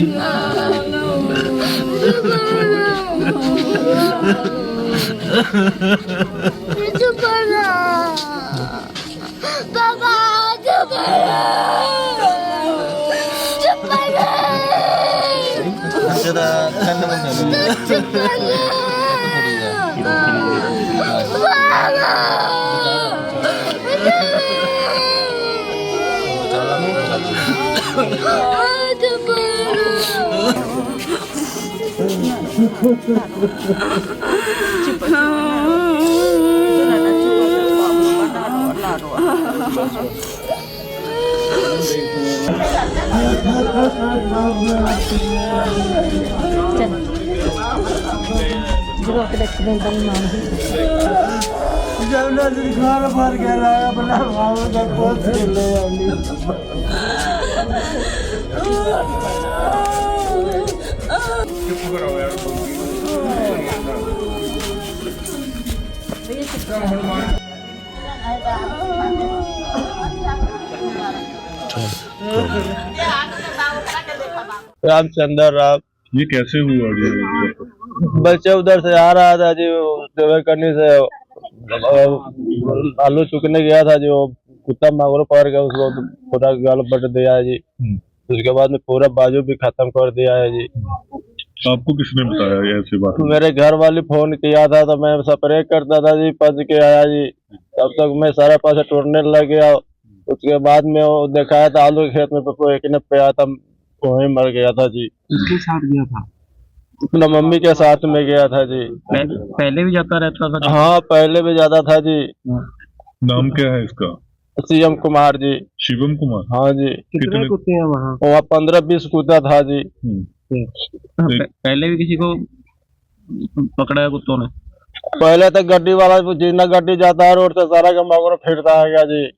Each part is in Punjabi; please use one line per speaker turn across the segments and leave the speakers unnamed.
रामचंद्र राव।
ये कैसे हुआ जी?
बच्चा उधर से आ रहा था जी, सेवा करने से आलू चुकने गया था जो कुत्ता मांगरो पकड़ गया, उसको पूरा गाल बट दिया है जी। उसके बाद में पूरा बाजू भी खत्म कर दिया है जी।
आपको किसने बताया ऐसी बात?
मेरे घर वाले फोन किया था तो मैं स्प्रे करता था जी, पच के आया जी। तब तक मैं सारा पास टूटने लग गया। उसके बाद में वो दिखाया था आलू के खेत में एक ने पे आया था, वहीं मर गया था जी।
किसके साथ गया था?
अपना मम्मी के साथ में गया था जी।
पहले भी जाता रहता था?
हाँ, पहले भी ज्यादा था जी।
नाम क्या है इसका?
शिवम कुमार जी।
शिवम कुमार?
हाँ जी।
कितने कुत्ते हैं वहाँ?
15-20 कुत्ता था जी।
पहले भी किसी को पकड़ा है कुत्तों ने?
पहले तो गड्डी वाला जितना गड्डी जाता है रोड से सारा का मगर फिरता है क्या जी।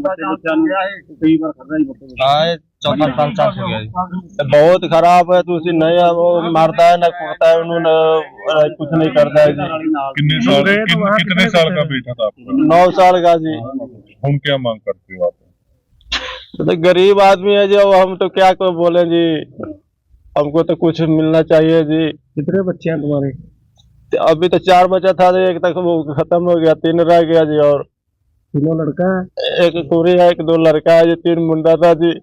चौथा साल चार्ज हो गया जी।
बहुत खराब है, तो उसी नहीं है, वो मारता है ना कूटता है, उन्होंने कुछ नहीं करता है जी।
कितने साल का बेटा था आपका?
9 साल का जी।
हम क्या मांग करते हो आप?
तो गरीब आदमी है जी, हम तो क्या को बोले जी, हमको तो कुछ मिलना चाहिए जी।
कितने बच्चे हैं तुम्हारे?
अभी तो 4 बच्चा था जी, एक तक वो खत्म हो गया, 3 रह गया जी। और
तीनों लड़का है?
एक कुड़ी है, 1-2 लड़का है जी, 3 मुंडा था जी।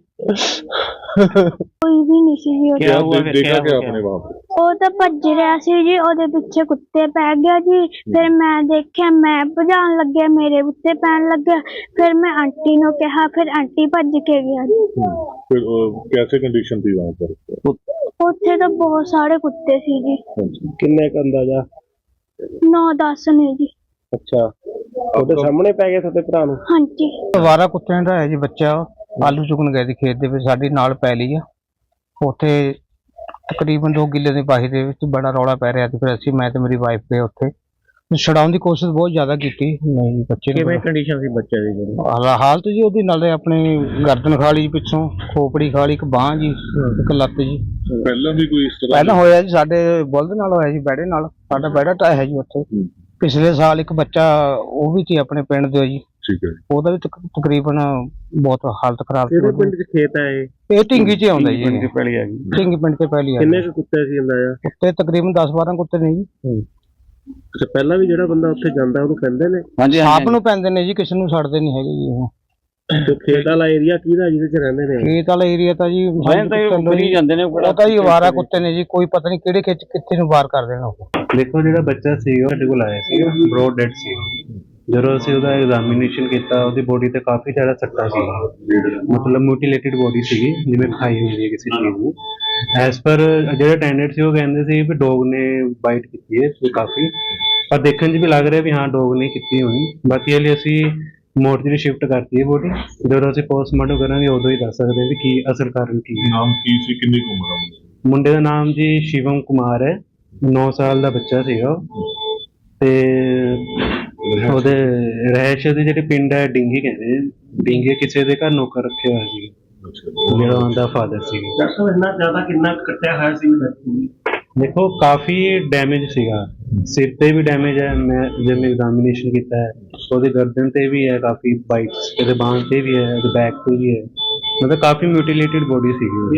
कोई भी नहीं सी जी।
क्या देखा क्या आपने वहाँ पे?
ਉਹ ਤਾਂ ਭੱਜ ਰਿਹਾ ਸੀ ਜੀ, ਉਹਦੇ ਪਿੱਛੇ ਕੁੱਤੇ ਪੈ ਗਿਆ ਜੀ। ਫਿਰ ਮੈਂ ਦੇਖਿਆ, ਮੈਂ ਭਜਾਉਣ ਲੱਗਿਆ, ਮੇਰੇ ਉੱਤੇ ਪੈਣ ਲੱਗਿਆ। ਫਿਰ ਮੈਂ ਆਂਟੀ ਨੂੰ ਕਿਹਾ, ਫਿਰ ਆਂਟੀ ਭੱਜ ਕੇ ਗਿਆ ਜੀ।
फिर कैसे कंडीशन थी वहाँ पर?
ਉੱਥੇ ਤਾਂ ਬਹੁਤ ਸਾਰੇ ਕੁੱਤੇ ਸੀ ਜੀ।
किन्ने का अंदाजा?
9-10 ਨੇ ਜੀ।
अच्छा, ਉਹਦੇ ਸਾਹਮਣੇ ਪੈ ਗਏ ਤੁਹਾਡੇ ਭਰਾ ਨੂੰ?
ਹਾਂਜੀ।
ਅਵਾਰਾ ਕੁੱਤਿਆਂ ਦਾ ਹੈ ਜੀ ਬੱਚਾ, ਆਲੂ ਚੁਗਣ ਗਏ ਸੀ ਖੇਤ ਦੇ ਵਿੱਚ, ਸਾਡੀ ਨਾਲ ਪੈ ਲਈ ਆ। ਉੱਥੇ ਤਕਰੀਬਨ 2 ਕਿੱਲੇ ਦੀ ਬਾਹੀ ਦੇ ਵਿੱਚ ਬੜਾ ਰੌਲਾ ਪੈ ਰਿਹਾ ਸੀ। ਫਿਰ ਅਸੀਂ, ਮੈਂ ਤੇ ਮੇਰੀ ਵਾਈਫ ਗਏ ਉੱਥੇ, ਛਡਾਉਣ ਦੀ ਕੋਸ਼ਿਸ਼ ਬਹੁਤ ਜ਼ਿਆਦਾ ਕੀਤੀ। ਨਹੀਂ ਜੀ, ਬੱਚੇ
ਕਿਵੇਂ ਕੰਡੀਸ਼ਨ ਸੀ ਬੱਚੇ ਦੀ?
ਹਾਲਤ ਜੀ ਉਹਦੀ, ਨਾਲੇ ਆਪਣੀ ਗਰਦਨ ਖਾ ਲਈ ਪਿੱਛੋਂ, ਖੋਪੜੀ ਖਾ ਲਈ, ਇੱਕ ਬਾਂਹ ਜੀ, ਇੱਕ ਲੱਤ ਜੀ।
पहला भी कोई इस तरह?
ਪਹਿਲਾਂ ਹੋਇਆ ਜੀ ਸਾਡੇ ਬੁਲਦ ਨਾਲ ਹੋਇਆ ਜੀ, ਬੈੜੇ ਨਾਲ। ਸਾਡਾ ਬੈੜਾ ਤਾਂ ਹੈ ਜੀ ਉੱਥੇ। ਪਿਛਲੇ ਸਾਲ ਇੱਕ ਬੱਚਾ ਉਹ ਵੀ ਸੀ ਆਪਣੇ ਪਿੰਡ ਦੇ ਜੀ,
ठीक है।
ਉਹਦਾ ਵੀ ਤਕਰੀਬਨ ਬਹੁਤ ਹਾਲਤ ਖਰਾਬ ਸੀ।
ਕਿਹੜੇ ਪਿੰਡ 'ਚ ਖੇਤ ਹੈ ਇਹ?
ਇਹ ਢਿੰਗੀ 'ਚ ਆਉਂਦਾ ਜੀ,
ਪਿੰਡ 'ਚ ਪਹਿਲੀ ਆ ਗਈ।
ਢਿੰਗੀ ਪਿੰਡ 'ਚ ਪਹਿਲੀ ਆ।
ਕਿੰਨੇ ਕੁ ਕੁੱਤੇ ਸੀ ਅੰਦਾਜ਼ਾ?
ਕੁੱਤੇ ਤਕਰੀਬਨ 10-12 ਕੁੱਤੇ ਨੇ ਜੀ।
ਅੱਛਾ, ਪਹਿਲਾਂ ਵੀ ਜਿਹੜਾ ਬੰਦਾ ਉੱਥੇ ਜਾਂਦਾ ਉਹਨੂੰ ਕਹਿੰਦੇ ਨੇ?
ਆਪ ਨੂੰ ਪੈਂਦੇ ਨੇ ਜੀ, ਕਿਸੇ ਨੂੰ ਛੱਡਦੇ ਨਹੀਂ ਹੈਗੇ ਜੀ। ਉਹ
ਤੇ ਖੇਤ ਵਾਲਾ ਏਰੀਆ ਕਿਹਦਾ ਜਿਹਦੇ 'ਚ ਰਹਿੰਦੇ ਨੇ?
ਖੇਤ ਵਾਲਾ ਏਰੀਆ ਤਾਂ ਜੀ
ਜਾਂਦੇ ਨੇ,
ਉਹ ਤਾਂ ਜੀ ਅਵਾਰਾ ਕੁੱਤੇ ਨੇ ਜੀ, ਕੋਈ ਪਤਾ ਨਹੀਂ ਕਿਹੜੇ ਖਿੱਚ ਕਿੱਥੇ ਨੂੰ ਵਾਰ ਕਰ ਦੇਣਾ ਉਹ।
ਦੇਖੋ, ਜਿਹੜਾ ਬੱਚਾ ਸੀ ਉਹ ਸਾਡੇ ਕੋਲ ਆਇਆ ਸੀ, ਬ੍ਰੌਡ ਡੈਡ ਸੀ। ਜਦੋਂ ਅਸੀਂ ਉਹਦਾ ਐਗਜ਼ਾਮੀਨੇਸ਼ਨ ਕੀਤਾ, ਉਹਦੀ ਬੋਡੀ ਤੇ ਕਾਫੀ ਜ਼ਿਆਦਾ ਸੱਟਾਂ ਸੀ, ਮਤਲਬ ਮਿਊਟੀਲੇਟਿਡ ਬੋਡੀ ਸੀਗੀ, ਜਿਵੇਂ ਖਾਈ ਹੋਈ ਹੈ ਕਿਸੇ ਚੀਜ਼ ਨੂੰ। ਐਸ ਪਰ ਜਿਹੜੇ ਅਟੈਂਡੈਂਟ ਸੀ ਉਹ ਕਹਿੰਦੇ ਸੀ ਵੀ ਡੋਗ ਨੇ ਬਾਈਟ ਕੀਤੀ ਹੈ ਕਾਫੀ, ਪਰ ਦੇਖਣ 'ਚ ਵੀ ਲੱਗ ਰਿਹਾ ਵੀ ਹਾਂ ਡੋਗ ਨੇ ਕੀਤੀ ਹੋਣੀ। ਬਾਕੀ ਇਹ ਲਈ ਅਸੀਂ ਮੋਰਚਰੀ ਸ਼ਿਫਟ ਕਰਤੀ ਹੈ ਬੋਡੀ, ਜਦੋਂ ਅਸੀਂ ਪੋਸਟਮਾਰਟਮ ਕਰਾਂਗੇ ਉਦੋਂ ਹੀ ਦੱਸ ਸਕਦੇ ਵੀ ਕੀ ਅਸਲ ਕਾਰਨ ਕੀ ਹੈ।
ਨਾਮ ਕੀ ਸੀ, ਕਿੰਨੀ ਕੁ ਉਮਰ ਹੈ?
ਮੁੰਡੇ ਦਾ ਨਾਮ ਜੀ ਸ਼ਿਵਮ ਕੁਮਾਰ ਹੈ, 9 ਸਾਲ ਦਾ ਬੱਚਾ ਸੀਗਾ ਉਹ। ਤੇ ਉਹਦੇ ਰਹਿਸ਼ ਦੇ ਜਿਹੜੇ ਪਿੰਡ ਹੈ ਡਿੰਗੀ ਕਹਿੰਦੇ, ਡਿੰਗੇ ਕਿਸੇ ਦੇ ਘਰ ਨੌਕਰ ਰੱਖਿਆ ਹੋਇਆ ਸੀ, ਜਿਹੜਾ ਉਹਦਾ ਫਾਦਰ ਸੀ।
ਇੰਨਾ ਜ਼ਿਆਦਾ ਕਿੰਨਾ ਕੱਟਿਆ ਹੋਇਆ ਸੀ?
ਦੇਖੋ, ਕਾਫੀ ਡੈਮੇਜ ਸੀਗਾ, ਸਿਰ ਤੇ ਵੀ ਡੈਮੇਜ ਹੈ, ਮੈਂ ਜਿਵੇਂ ਐਗਜ਼ਾਮੀਨੇਸ਼ਨ ਕੀਤਾ ਹੈ, ਉਹਦੇ ਗਰਦਨ ਤੇ ਵੀ ਹੈ ਕਾਫੀ ਬਾਈਟਸ, ਇਹਦੇ ਬਾਂਹ ਤੇ ਵੀ ਹੈ, ਇਹਦੇ ਬੈਕ ਤੇ ਵੀ ਹੈ, ਮਤਲਬ ਕਾਫੀ ਮਿਊਟੀਲੇਟਿਡ ਬੋਡੀ ਸੀਗੀ।